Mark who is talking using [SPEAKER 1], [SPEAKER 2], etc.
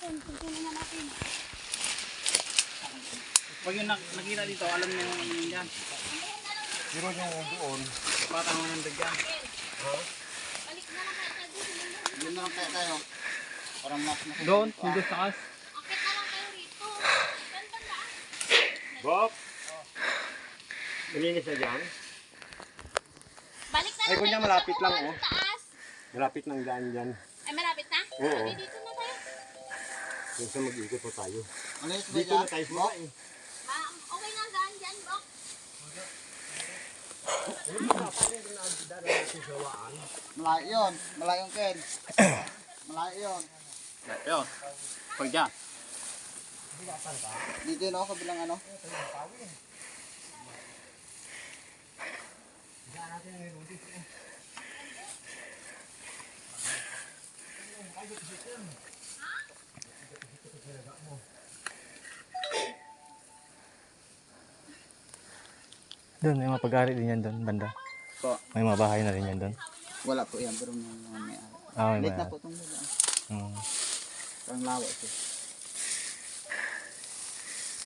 [SPEAKER 1] natin. Tingnan na natin.
[SPEAKER 2] Pag yung nakita dito, alam niyo yung ano dyan.
[SPEAKER 3] Pero yung doon.
[SPEAKER 2] Patang 100 dyan.
[SPEAKER 1] Balik na lang kayo doon.
[SPEAKER 3] Yun na lang kaya tayo. Parang mas na.
[SPEAKER 2] Doon, yung doon sa kas.
[SPEAKER 1] Akit na lang kayo rito. Tanda.
[SPEAKER 3] Bob! Malinis na dyan?
[SPEAKER 1] Balik na lang
[SPEAKER 3] Ay, kunya
[SPEAKER 1] kayo
[SPEAKER 3] malapit
[SPEAKER 1] sa
[SPEAKER 3] lang,
[SPEAKER 1] uwan,
[SPEAKER 3] oh.
[SPEAKER 1] sa taas.
[SPEAKER 3] Malapit ng daan dyan.
[SPEAKER 1] Ay, malapit na?
[SPEAKER 3] Oo.
[SPEAKER 1] Sabi dito na tayo.
[SPEAKER 3] Yung sa mag-ikot po tayo.
[SPEAKER 4] Dito na tayo
[SPEAKER 3] Bob?
[SPEAKER 4] eh.
[SPEAKER 1] Okay na ang daan dyan, Bok.
[SPEAKER 4] Malayo yun. Malayo yung Ken. Malayo yun.
[SPEAKER 2] Ayun. Pag dyan.
[SPEAKER 4] Dito yun ako kabilang ano.
[SPEAKER 5] Doon, may mga pag-ari din yan doon, banda.
[SPEAKER 4] Po.
[SPEAKER 5] May mga bahay na rin yan doon.
[SPEAKER 4] Wala po yan. Pero may mga may-ari.
[SPEAKER 5] Ah, may
[SPEAKER 4] Late na
[SPEAKER 5] mga.
[SPEAKER 4] po itong nila.
[SPEAKER 5] Mm.
[SPEAKER 4] Parang lawa ito.